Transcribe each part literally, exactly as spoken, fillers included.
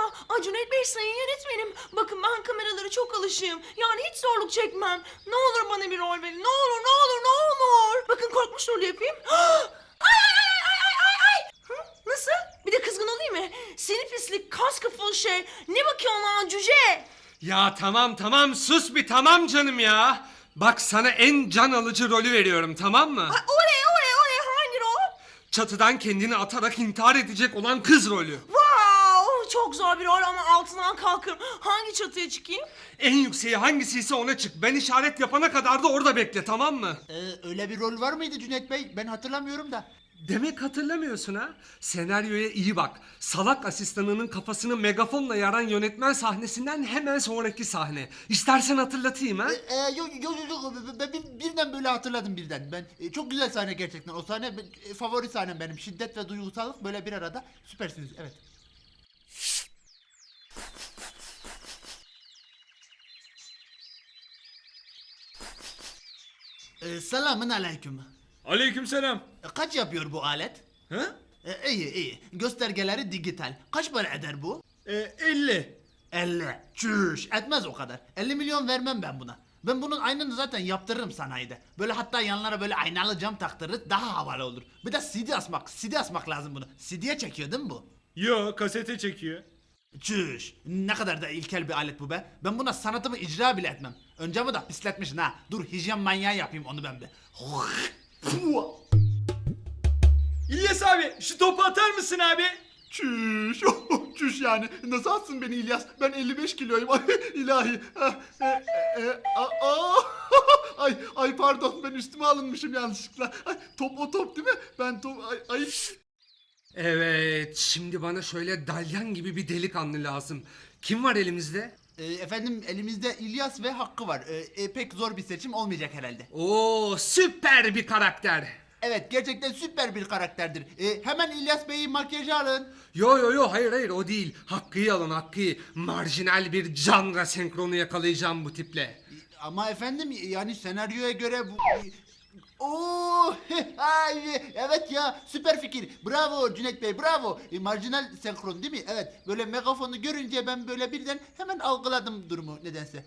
Ay Cüneyt Bey, sayın yönetmenim. Bakın ben kameralara çok alışığım. Yani hiç zorluk çekmem. Ne olur bana bir rol verin. Ne olur, ne olur, ne olur. Bakın korkmuş rolü yapayım. Ay ay ay ay ay ay. Hı? Nasıl? Bir de kızgın olayım mı? Seni pislik, kas kafalı şey. Ne bakıyorsun lan cüce? Ya tamam tamam sus bir tamam canım ya. Bak sana en can alıcı rolü veriyorum tamam mı? Ay, oley oley oley, hangi rol? Çatıdan kendini atarak intihar edecek olan kız rolü. Wow, çok zor bir rol ama altından kalkarım. Hangi çatıya çıkayım? En yükseği hangisiyse ona çık. Ben işaret yapana kadar da orada bekle tamam mı? Ee, öyle bir rol var mıydı Cüneyt Bey? Ben hatırlamıyorum da. Demek hatırlamıyorsun ha? Senaryoya iyi bak. Salak asistanının kafasını megafonla yaran yönetmen sahnesinden hemen sonraki sahne. İstersen hatırlatayım ha? Ee, e, yok yok yok, ben bir, birden böyle hatırladım birden. Ben e, çok güzel sahne gerçekten. O sahne ben- e, favori sahnem benim. Şiddet ve duygusallık böyle bir arada. Süpersiniz. Evet. Ee, selamün aleyküm. Aleykümselam. E, kaç yapıyor bu alet? Ha? E, iyi iyi. Göstergeleri dijital. Kaç para eder bu? Ee, elli. elli. Çüş, etmez o kadar. elli milyon vermem ben buna. Ben bunun aynını zaten yaptırırım sanayide. Böyle hatta yanlara böyle aynalı cam taktırırız, daha havalı olur. Bir de C D asmak, C D asmak lazım bunu. C D'ye çekiyor değil mi bu? Yo, kasete çekiyor. Çüş, ne kadar da ilkel bir alet bu be. Ben buna sanatımı icra bile etmem. Önce bu da pisletmişsin ha. Dur hijyen manyağı yapayım onu ben bir. İlyas abi, şu topu atar mısın abi? Çüş, çüş yani. Nasıl atsın beni İlyas? Ben elli beş kiloyum. Ay ilahi. Ah, e, e, e, a- aa! Ay ay pardon, ben üstüme alınmışım yanlışlıkla. Ay, top o top değil mi? Ben top ay, ay. Evet, şimdi bana şöyle dalyan gibi bir delikanlı lazım. Kim var elimizde? E, efendim elimizde İlyas ve Hakkı var. E, e, pek zor bir seçim olmayacak herhalde. Oo, süper bir karakter. Evet, gerçekten süper bir karakterdir. E, hemen İlyas Bey'i makyaja alın. Yo yo yo hayır hayır o değil. Hakkı'yı alın Hakkı'yı. Marjinal bir canra senkronu yakalayacağım bu tiple. Ama efendim yani senaryoya göre bu... Oo, ay, evet ya, süper fikir. Bravo Cüneyt Bey, bravo. E, marjinal senkron değil mi? Evet. Böyle megafonu görünce ben böyle birden hemen algıladım durumu nedense.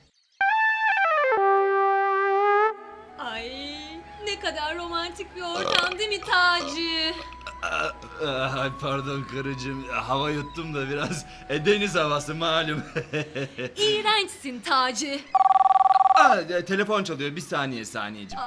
Ay ne kadar romantik bir ortam değil mi Taci? Ay pardon karıcığım, hava yuttum da biraz. E, deniz havası malum. İğrençsin Taci. Aa, e, telefon çalıyor, bir saniye saniyeciğim.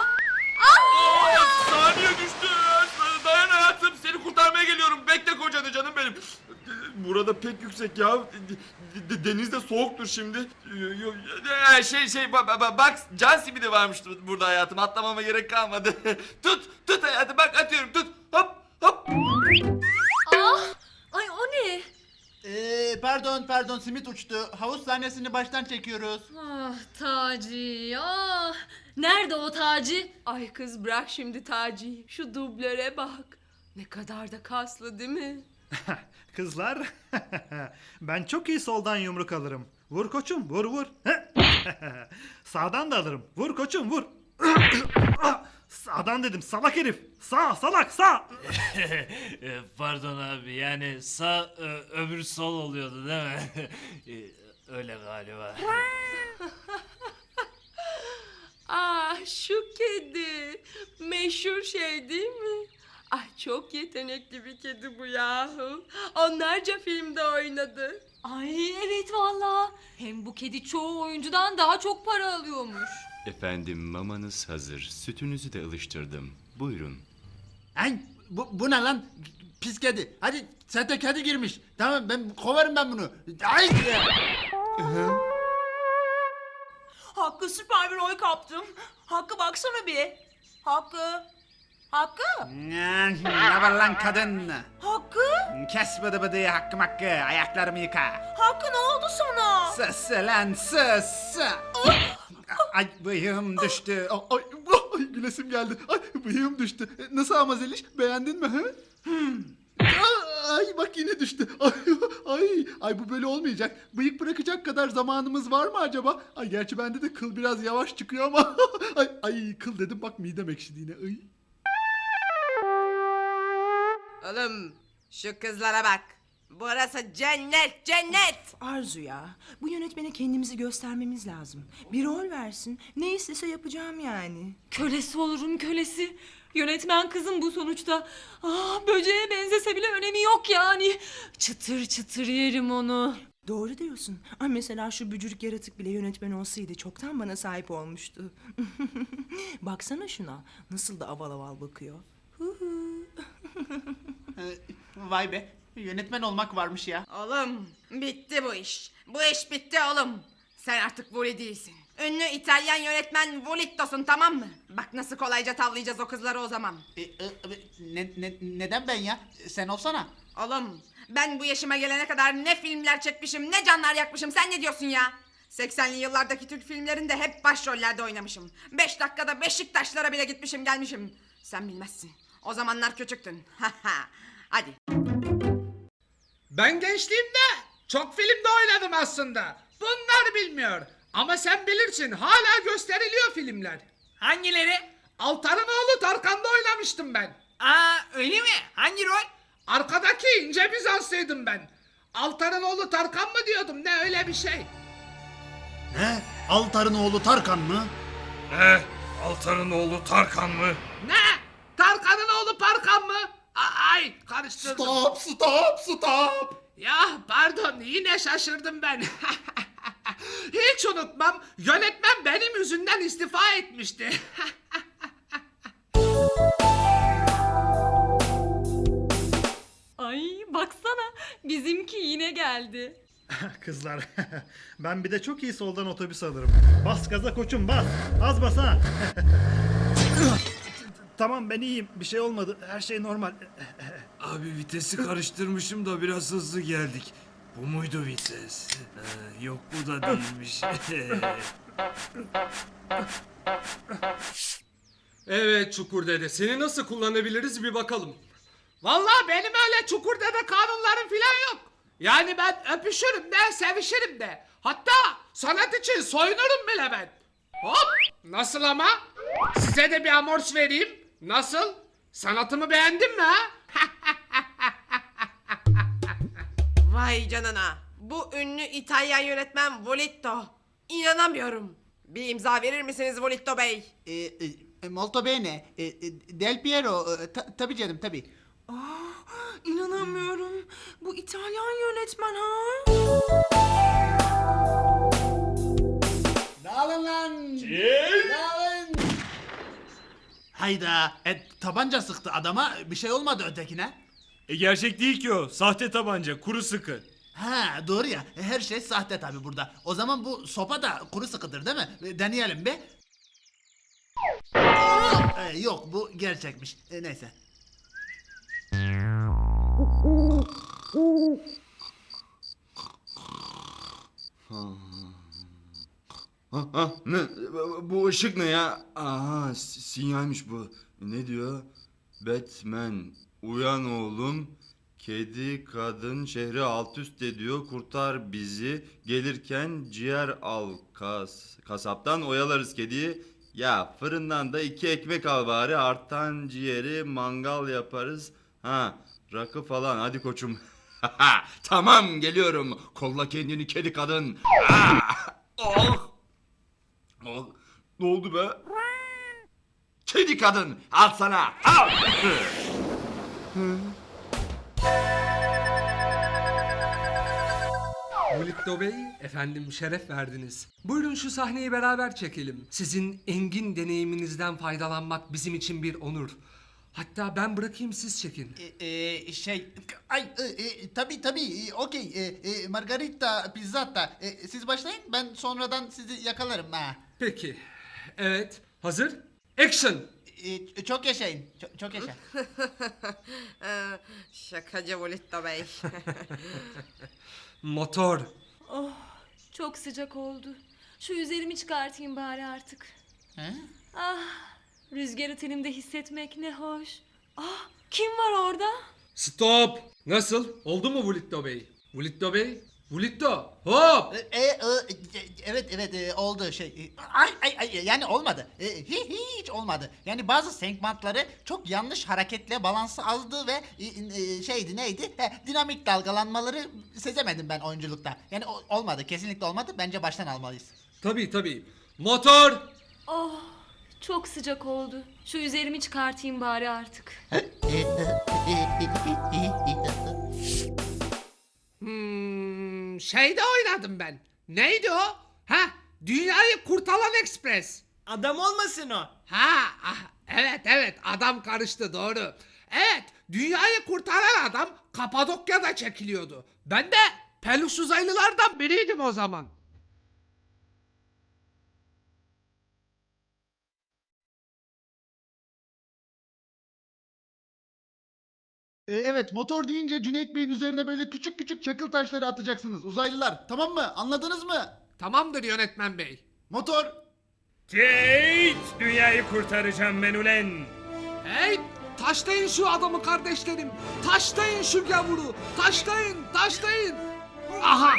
Saniye düştü. Dayan hayatım, seni kurtarmaya geliyorum. Bekle kocanı canım benim. Burada pek yüksek ya. D- Deniz de soğuktur şimdi. Ee, Şey şey ba- ba- bak, can simidi varmış burada hayatım. Atlamama gerek kalmadı. Tut tut hayatım, bak atıyorum, tut. Hop hop. Ah, ay o ne? Ee, pardon pardon, simit uçtu. Havuz sahnesini baştan çekiyoruz. Ah Taci ah. Nerede o Taci? Ay kız bırak şimdi Taci'yi. Şu dublöre bak. Ne kadar da kaslı değil mi? Kızlar, ben çok iyi soldan yumruk alırım. Vur koçum, vur vur. Sağdan da alırım. Vur koçum, vur. Sağdan dedim, salak herif. Sağ, salak, sağ. E, Pardon abi, yani sağ e, öbür sol oluyordu değil mi? E, Öyle galiba. Ah şu kedi. Meşhur şey değil mi? Ay çok yetenekli bir kedi bu yahu. Onlarca filmde oynadı. Ay evet valla. Hem bu kedi çoğu oyuncudan daha çok para alıyormuş. Efendim mamanız hazır, sütünüzü de ılıştırdım. Buyurun. Ay, bu, bu ne lan? Pis kedi. Hadi sete kedi girmiş. Tamam, ben kovarım ben bunu. Ay! Hakkı, süper bir rol kaptım. Hakkı baksana bir. Hakkı. Hakkı. Ne var lan kadın? Hakkı. Kes bıdı bıdı, hakkım hakkı. Ayaklarımı yıka. Hakkı, ne oldu sana? Sus lan sus. Ay bıyığım düştü. Ay, ay, ay gülesim geldi. Ay bıyığım düştü. Nasıl ama Zeliş? Beğendin mi? He? Hmm. Ay bak yine düştü. Ay, ay ay bu böyle olmayacak. Bıyık bırakacak kadar zamanımız var mı acaba? Ay gerçi bende de kıl biraz yavaş çıkıyor ama. Ay ay kıl dedim, bak midem ekşidi yine. Ay. Oğlum şu kızlara bak. Burası cennet, cennet. Arzu ya, bu yönetmene kendimizi göstermemiz lazım. Bir rol versin, ne istese yapacağım yani. Kölesi olurum kölesi. Yönetmen kızım bu sonuçta. Ah, böceğe benzese bile önemi yok yani. Çıtır çıtır yerim onu. Doğru diyorsun. Ay mesela şu bücürük yaratık bile yönetmen olsaydı çoktan bana sahip olmuştu. Baksana şuna, nasıl da aval aval bakıyor. Hu hu. Ee, Vay be. Yönetmen olmak varmış ya. Oğlum bitti bu iş. Bu iş bitti oğlum. Sen artık Vuli değilsin. Ünlü İtalyan yönetmen Vulitto'sun, tamam mı? Bak nasıl kolayca tavlayacağız o kızları o zaman. Ee, e, ne, ne- neden ben ya? Sen olsana. Oğlum ben bu yaşıma gelene kadar ne filmler çekmişim, ne canlar yakmışım, sen ne diyorsun ya? seksenli yıllardaki Türk filmlerinde hep başrollerde oynamışım. Beş dakikada Beşiktaşlara bile gitmişim gelmişim. Sen bilmezsin. O zamanlar küçüktün. Hadi. Ben gençliğimde çok filmde oynadım aslında. Bunlar bilmiyor. Ama sen bilirsin, hala gösteriliyor filmler. Hangileri? Altarınoğlu Tarkan'da oynamıştım ben. Aa öyle mi? Hangi rol? Arkadaki ince Bizanslıydım ben. Altarınoğlu Tarkan mı diyordum, ne öyle bir şey. Ne? Altar'ın oğlu Tarkan mı? Ne? Altan'ın oğlu Tarkan mı? Ne? Tarkan'ın oğlu Parkan mı? A- Ay karıştırdım. Stop, stop, stop. Ya pardon, yine şaşırdım ben. Hiç unutmam, yönetmen benim yüzümden istifa etmişti. Ay baksana, bizimki yine geldi. Kızlar, ben bir de çok iyi soldan otobüs alırım. Bas gaza koçum, bas. Az bas ha. Tamam, ben iyiyim. Bir şey olmadı. Her şey normal. Abi vitesi karıştırmışım da biraz hızlı geldik. Bu muydu vites? Ha, yok bu da değilmiş. Evet Çukur Dede, seni nasıl kullanabiliriz bir bakalım. Vallahi benim öyle Çukur Dede kanunlarım filan yok. Yani ben öpüşürüm de, sevişirim de. Hatta sanat için soyunurum bile ben. Hop! Nasıl ama? Size de bir amors vereyim. Nasıl? Sanatımı beğendin mi ha? Vay canına. Bu ünlü İtalyan yönetmen Vulitto. İnanamıyorum. Bir imza verir misiniz Vulitto Bey? Ee, e, molto bene. Ee, e, Del Piero. e, ta- tabii canım, tabii. Aa, inanamıyorum. Bu İtalyan yönetmen ha? Dağılın lan. Dağılın. Hayda. E, tabanca sıktı adama. Bir şey olmadı ötekine. e gerçek değil ki o. Sahte tabanca, kuru sıkı. Ha doğru ya. E, Her şey sahte tabii burada. O zaman bu sopa da kuru sıkıdır değil mi? E, Deneyelim bir. E, yok bu gerçekmiş. E, neyse. Ha, ha, ne? Bu ışık ne ya? Aha, s- sinyalmiş bu. Ne diyor? Batman, uyan oğlum. Kedi kadın şehri alt üst ediyor. Kurtar bizi. Gelirken ciğer al kas. Kasaptan oyalarız kediyi. Ya fırından da iki ekmek al bari. Artan ciğeri mangal yaparız. Ha, rakı falan. Hadi koçum. Tamam geliyorum. Kolla kendini kedi kadın. Ah! Oh! Oh! Ne oldu be? Kedi kadın al sana al. Vulitto Bey, efendim şeref verdiniz. Buyurun şu sahneyi beraber çekelim. Sizin engin deneyiminizden faydalanmak bizim için bir onur. Hatta ben bırakayım, siz çekin. E, e, şey ay e, e, tabii tabii e, okey e, e, margarita pizzata E, siz başlayın ben sonradan sizi yakalarım ha. Peki. Evet. Hazır. Action. E, çok yaşayın çok, çok yaşa. Ee, şakacı Vulitto Bey. Motor. Oh, çok sıcak oldu. Şu üzerimi çıkartayım bari artık. He? Ah, rüzgarı tenimde hissetmek ne hoş. Ah, kim var orada? Stop. Nasıl? Oldu mu Vulitto Bey? Vulitto Bey? Vulitto hop. E, e, e, evet evet e, oldu şey. E, Ay, ay, ay, yani olmadı. E, hi- hiç olmadı. Yani bazı senkbantları çok yanlış hareketle balansı azdı ve e, e, şeydi neydi? He, dinamik dalgalanmaları sezemedim ben oyunculukta. Yani o- olmadı, kesinlikle olmadı. Bence baştan almalıyız. Tabii tabii. Motor. Oh, çok sıcak oldu. Şu üzerimi çıkartayım bari artık. Hmm, şeyde oynadım ben. Neydi o? Ha, Dünyayı Kurtaran Ekspres. Adam olmasın o. Ha, ah, evet evet adam karıştı doğru. Evet, dünyayı kurtaran adam Kapadokya'da çekiliyordu. Ben de peluş uzaylılardan biriydim o zaman. E, evet, motor deyince Cüneyt Bey'in üzerine böyle küçük küçük çakıl taşları atacaksınız uzaylılar. Tamam mı? Anladınız mı? Tamamdır yönetmen bey. Motor. Kate, dünyayı kurtaracağım ben ulen. Hey, taşlayın şu adamı kardeşlerim. Taşlayın şu gavuru. Taşlayın, taşlayın. Aha.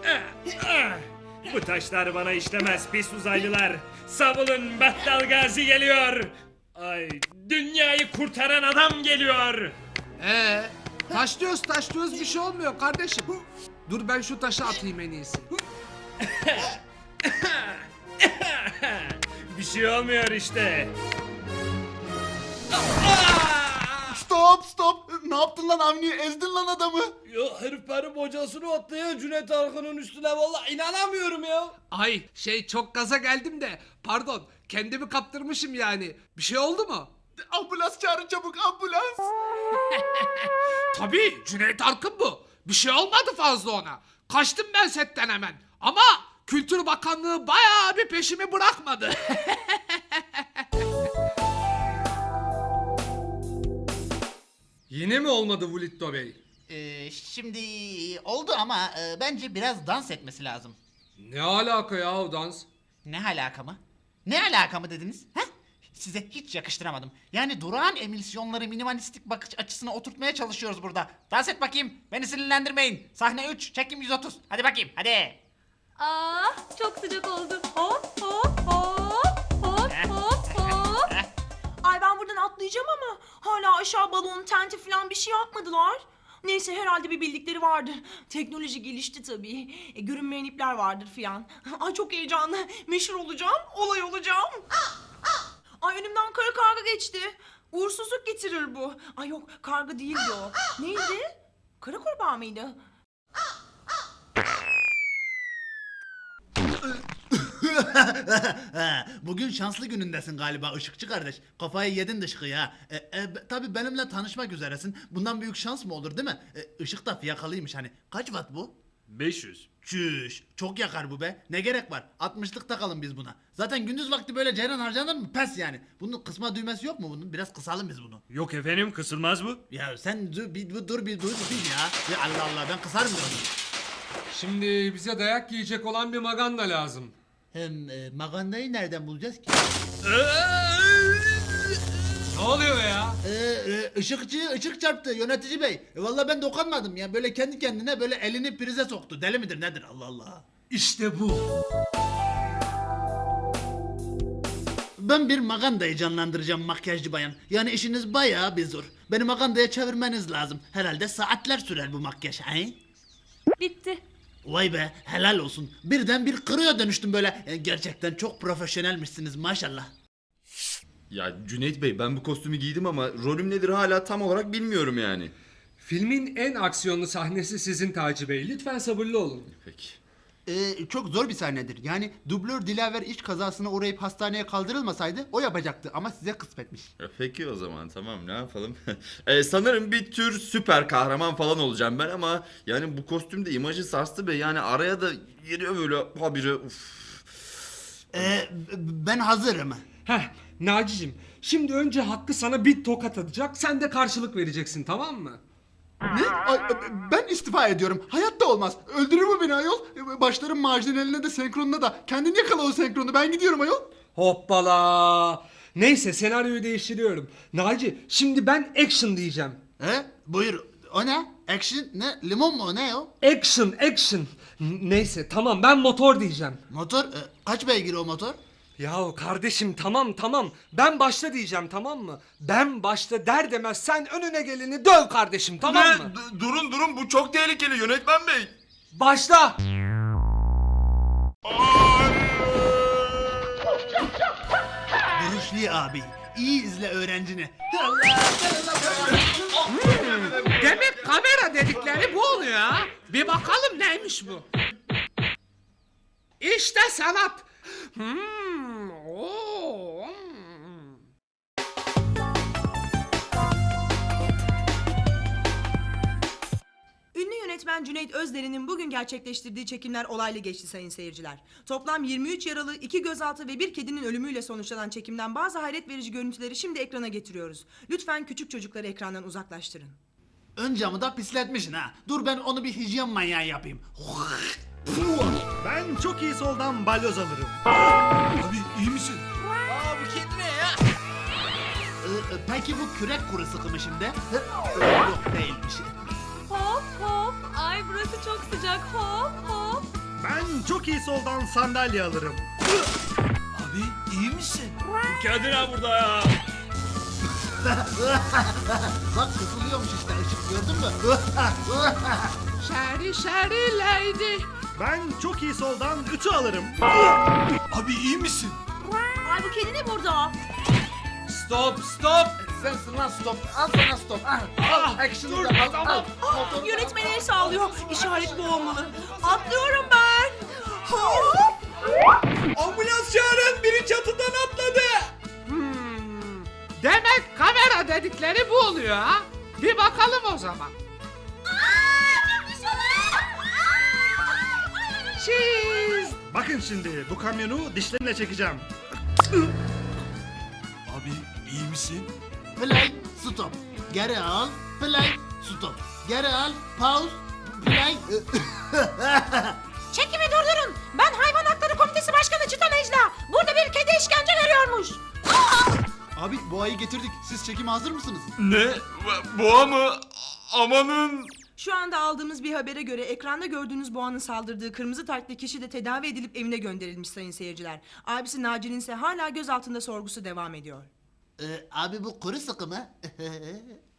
Bu taşlar bana işlemez pis uzaylılar. Savulun, Battal Gazi geliyor. Ay, dünyayı kurtaran adam geliyor. Ee, taşlıyoruz taşlıyoruz bir şey olmuyor kardeşim. Dur ben şu taşı atayım en iyisi. Bir şey olmuyor işte. Stop stop. Ne yaptın lan Avni? Ezdin lan adamı. Ya herif benim hocasını atlıyor Cüneyt Arkın'ın üstüne vallahi inanamıyorum ya. Ay şey çok gaza geldim de pardon kendimi kaptırmışım yani. Bir şey oldu mu? Ambulans çağırın çabuk, ambulans. Tabii Cüneyt Arkın bu. Bir şey olmadı fazla ona. Kaçtım ben setten hemen. Ama Kültür Bakanlığı bayağı bir peşimi bırakmadı. Yine mi olmadı Vulitto Bey? Ee, şimdi oldu ama e, bence biraz dans etmesi lazım. Ne alaka ya o dans? Ne alaka mı? Ne alaka mı dediniz? He? Size hiç yakıştıramadım. Yani durağan emisyonları minimalistik bakış açısına oturtmaya çalışıyoruz burada. Dans et bakayım. Beni sinirlendirmeyin. Sahne üç, çekim yüz otuz. Hadi bakayım, hadi. Aa, çok sıcak oldu. Hop hop hop hop hop hop. Ay ben buradan atlayacağım ama hala aşağı balonun tenti falan bir şey yapmadılar. Neyse herhalde bir bildikleri vardır. Teknoloji gelişti tabii. E, görünmeyen ipler vardır filan. Ay çok heyecanlı. Meşhur olacağım. Olay olacağım. Ay önümden kara karga geçti. Uğursuzluk getirir bu. Ay yok karga değildi o. Neydi? Kara kurbağa mıydı? Bugün şanslı günündesin galiba Işıkçı kardeş. Kafayı yedin dışkı ya. E, e, tabii benimle tanışmak üzeresin. Bundan büyük şans mı olur değil mi? E, ışık da fiyakalıymış hani. Kaç watt bu? beş yüz. Çüş. Çok yakar bu be. Ne gerek var? altmışlık takalım biz buna. Zaten gündüz vakti böyle ceyran harcanır mı? Pes yani. Bunun kısma düğmesi yok mu bunun? Biraz kısalım biz bunu. Yok efendim, kısılmaz bu. Ya sen dur bir dur, dur bir dur bir ya. Ya Allah Allah ben kısarım diyorum. Şimdi bize dayak yiyecek olan bir maganda lazım. Hem e, magandayı nereden bulacağız ki? Ne oluyor ya? Ee, e, ışıkçı ışık çarptı yönetici bey. E, vallahi ben dokunmadım ya. Böyle kendi kendine böyle elini prize soktu. Deli midir nedir Allah Allah. İşte bu. Ben bir magandayı canlandıracağım makyajcı bayan. Yani işiniz bayağı bir zor. Beni magandaya çevirmeniz lazım. Herhalde saatler sürer bu makyaj. He? Bitti. Vay be helal olsun. Birden bir kırıyor dönüştüm böyle. E, gerçekten çok profesyonelmişsiniz maşallah. Ya Cüneyt Bey ben bu kostümü giydim ama rolüm nedir hala tam olarak bilmiyorum yani. Filmin en aksiyonlu sahnesi sizin Taci Bey. Lütfen sabırlı olun. Peki. Ee, çok zor bir sahnedir. Yani dublör Dilaver iş kazasına uğrayıp hastaneye kaldırılmasaydı o yapacaktı ama size kısmetmiş. Ya peki o zaman tamam ne yapalım. e, sanırım bir tür süper kahraman falan olacağım ben ama yani bu kostüm de imajı sarstı be. Yani araya da giriyor böyle habire. Uf. Ee, ben hazırım. Heh, Naci'cim şimdi önce Hakkı sana bir tokat atacak. Sen de karşılık vereceksin tamam mı? Ne? Ay, ben istifa ediyorum. Hayatta olmaz. Öldürür mü beni ayol? Başlarım marjinaline de senkronuna da. Kendin yakala o senkronu. Ben gidiyorum ayol. Hoppala. Neyse senaryoyu değiştiriyorum. Naci şimdi ben action diyeceğim. He? Buyur. O ne? Action ne? Limon mu? Ne o? Action, action. N- Neyse tamam ben motor diyeceğim. Motor? E, kaç beygir o motor? Yahu kardeşim tamam tamam. Ben başta diyeceğim tamam mı? Ben başta der demez sen önüne geleni döv kardeşim tamam Ne? mı? D- durun durun bu çok tehlikeli yönetmen bey. Başla. Bruce Lee abi. İyi izle öğrencini. Demek kamera dedikleri bu oluyor ha. Bir bakalım neymiş bu. İşte sanat. Hmm, oo, hmm. Ünlü yönetmen Cüneyt Özderin'in bugün gerçekleştirdiği çekimler olaylı geçti sayın seyirciler. Toplam yirmi üç yaralı, iki gözaltı ve bir kedinin ölümüyle sonuçlanan çekimden bazı hayret verici görüntüleri şimdi ekrana getiriyoruz. Lütfen küçük çocukları ekrandan uzaklaştırın. Ön camı da pisletmişsin ha. Dur ben onu bir hijyen manyağı yapayım. Ben çok iyi soldan balyoz alırım. Abi iyi misin? Aa bu kedi ne ya? Ee, e, peki bu kürek kuru sıkı mı şimdi? Hı? Yok değilmiş. Hop hop. Ay burası çok sıcak. Hop hop. Ben çok iyi soldan sandalye alırım. Abi iyi misin? Kendine burada ya. Bak kısılıyormuş işte ışık gördün mü? Şeri şeri lady. Ben çok iyi soldan ütü alırım. Abi iyi misin? Ay bu kedi ne burada? Stop stop. Sensin lan stop. Al sana stop. Al, al action'ı da al. Al. Motoru- Yönetmen el sağlıyor. İşaret bu olmalı. Atlıyorum ben. Hop. Ambulans çağırın biri çatıdan atladı. Hmm, demek kamera dedikleri bu oluyor ha. Bir bakalım o zaman. Cheese. Bakın şimdi bu kamyonu dişlerimle çekeceğim. Abi iyi misin? Play, stop. Geri al. Play, stop. Geri al. Pause. Play. Çekimi durdurun. Ben Hayvan Hakları Komitesi Başkanı Çıtan Ejla. Burada bir kedi işkence görüyormuş. Abi boğayı getirdik. Siz çekime hazır mısınız? Ne? Boğa mı? Amanın. Şu anda aldığımız bir habere göre ekranda gördüğünüz boğanın saldırdığı kırmızı taytlı kişi de tedavi edilip evine gönderilmiş sayın seyirciler. Abisi Naci'nin ise hala gözaltında sorgusu devam ediyor. Ee, abi bu kuru sıkı mı?